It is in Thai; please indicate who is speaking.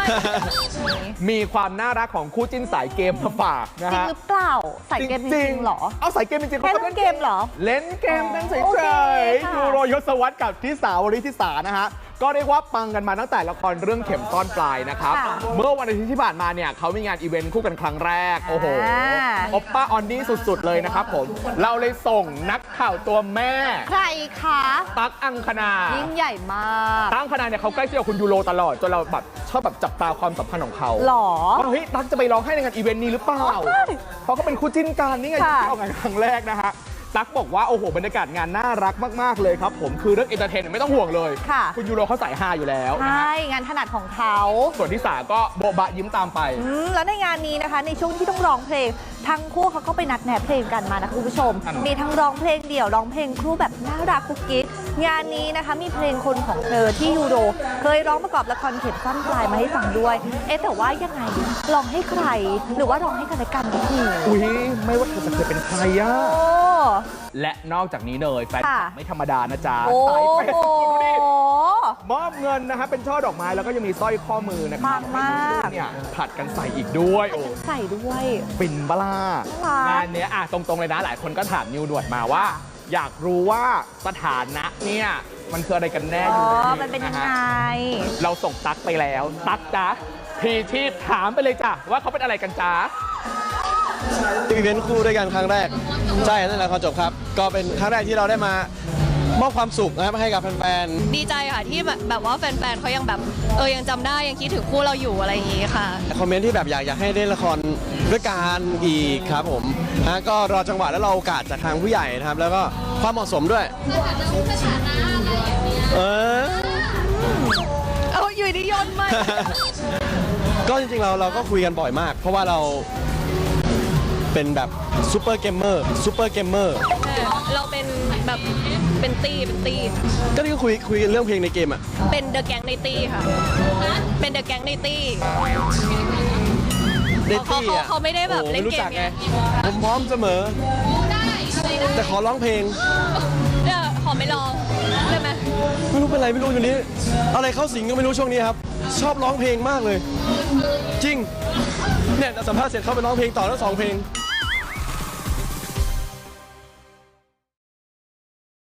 Speaker 1: มีความน่ารักของคู่จิ้นสายเกมมาฝากนะ
Speaker 2: จริง
Speaker 1: ฮะ
Speaker 2: หรือเปล่าสายเกมจริงๆเหรอ
Speaker 1: เอาสายเกมจริงๆ
Speaker 2: แค่
Speaker 1: เขา
Speaker 2: เล่นเกมเหรอ
Speaker 1: เล่นเกมกันเฉ
Speaker 2: โอเค
Speaker 1: ย
Speaker 2: ค่ะ
Speaker 1: ๆยูโรยศวรรษกับทิสาวริธิสานะฮะก็เรียกว่าปังกันมาตั้งแต่ละครเรื่องเข็มซ่อนปลายนะครับเมื่อวันอาทิตย์ที่ผ่านมาเนี่ยเขามีงานอีเวนต์คู่กันครั้งแรกโอ้โหโอปป้าออนนี่สุดๆเลยนะครับผมเราเลยส่งนักข่าวตัวแม่
Speaker 2: ใครคะ
Speaker 1: ตั๊กอังคณา
Speaker 2: ยิ่งใหญ่มาก
Speaker 1: ตั๊กอังคณาเนี่ยเขาใกล้ชิดกับคุณยูโรตลอดจนเราแบบชอบแบบจับตาความสัมพันธ์ของเขา
Speaker 2: หรอ
Speaker 1: ว่าเฮ้ยตั๊กจะไปร้องให้ในงานอีเวนต์นี้หรือเปล่า เพราะเขาเป็นคู่จิ้นกันนี่ไง
Speaker 2: ค่ะ
Speaker 1: ที่ออกงานครั้งแรกนะฮะ ตั๊กบอกว่าโอ้โหบรรยากาศงานน่ารักมากๆเลยครับผมคือเรื่องเอนเตอร์เทนไม่ต้องห่วงเลย
Speaker 2: ค่ะ
Speaker 1: คุณยูโรเขาสายฮาอยู่แล้วนะ
Speaker 2: ใช่
Speaker 1: ฮะ
Speaker 2: งานถนัดของเขา
Speaker 1: ส่วนที่สาก็โบบะยิ้มตามไป
Speaker 2: แล้วในงานนี้นะคะ ในช่วงที่ต้องร้องเพลง ทั้งคู่เขาก็ไปนัดแนะเพลงกันมานะคุณผู้ชม มีทั้งร้องเพลงเดี่ยวร้องเพลงคู่แบบน่ารักกุ๊กกิ๊กงานนี้นะคะมีเพลงคนของเธอที่ยูโรเคยร้องประกอบละครเข็มซ่อนปลายมาให้ฟังด้วย แต่ว่ายังไงร้องให้ใคร หรือว่าร้องให้กันและกันดี
Speaker 1: อุ้ยไม่ว่าเธอจะเคยเป็นใครอะ
Speaker 2: โอ้
Speaker 1: และนอกจากนี้เลยแฟนคลับ
Speaker 2: ค่ะ
Speaker 1: ไม่ธรรมดานะจ๊ะ
Speaker 2: โอ้
Speaker 1: สายเปย์
Speaker 2: โห
Speaker 1: ดูดิมอบเงินนะฮะเป็นช่อดอกไม้แล้วก็ยังมีสร้อยข้อมือนะครั
Speaker 2: ปังมาก
Speaker 1: เนี่ยผัดกันใส่อีกด้วยโอ้
Speaker 2: ใส่ด้วย
Speaker 1: ฟินบลา
Speaker 2: น่ารัก
Speaker 1: งานเนี้ยตรงๆเลยนะหลายคนก็ถามนิวด่วนมาว่า อยากรู้ว่าสถานะเนี่ยมันคืออะไรกันแน่อยู่
Speaker 2: มันเป็นยังไง
Speaker 1: เราส่งตั๊กไปแล้วตั๊กจ๊ะพีชีพถามไปเลยจ้ะว่าเขาเป็นอะไรกันจ๊ะ
Speaker 3: อีเวนต์คู่ด้วยกันครั้งแรกใช่นั่นแหละพอจบครับก็เป็นครั้งแรกที่เราได้มามอบความสุขนะครับให้กับแฟน
Speaker 4: ดีใจค่ะที่แบบว่าแฟนๆเขายังแบบยังจำได้ยังคิดถึงคู่เราอยู่อะไรอย่างงี้ค่ะ
Speaker 3: ๆคอมเมนต์ที่แบบอยากให้เล่นละครด้วยกันอีกครับผมก็รอจังหวะและรอโอกาสจากทางผู้ใหญ่นะครับ แล้วก็ความเหมาะสมด้วย
Speaker 4: เอาอยู่ดีโยนมา
Speaker 3: ก็จริงๆเราก็คุยกันบ่อยมาก เพราะว่าเราเป็นแบบซูเปอร์เกมเมอร์
Speaker 4: เราเป็นแบบเป็นตี
Speaker 3: ก็นี่ก็คุยกันเรื่องเพลงในเกมอ่ะ
Speaker 4: เป็นเดอะแก๊งในตีค่ะ เป็นเดอะแก๊งในตี
Speaker 3: ในตี้อ่ะ
Speaker 4: เขาไม่ได้แบบเล่นเกม
Speaker 3: ไม่รู้จักไงผมพร้อมเสมอแต่ขอร้องเพลง
Speaker 4: ขอไม่ลองได้ไหม
Speaker 3: ไม่รู้เป็นไรไม่รู้อยู่นี้ อะไรเข้าสิงก็ไม่รู้ช่วงนี้ครับ ชอบร้องเพลงมากเลย จริงเนี่ยสัมภาษณ์เสร็จเข้าไปร้องเพลงต่อแล้ว2 เพลง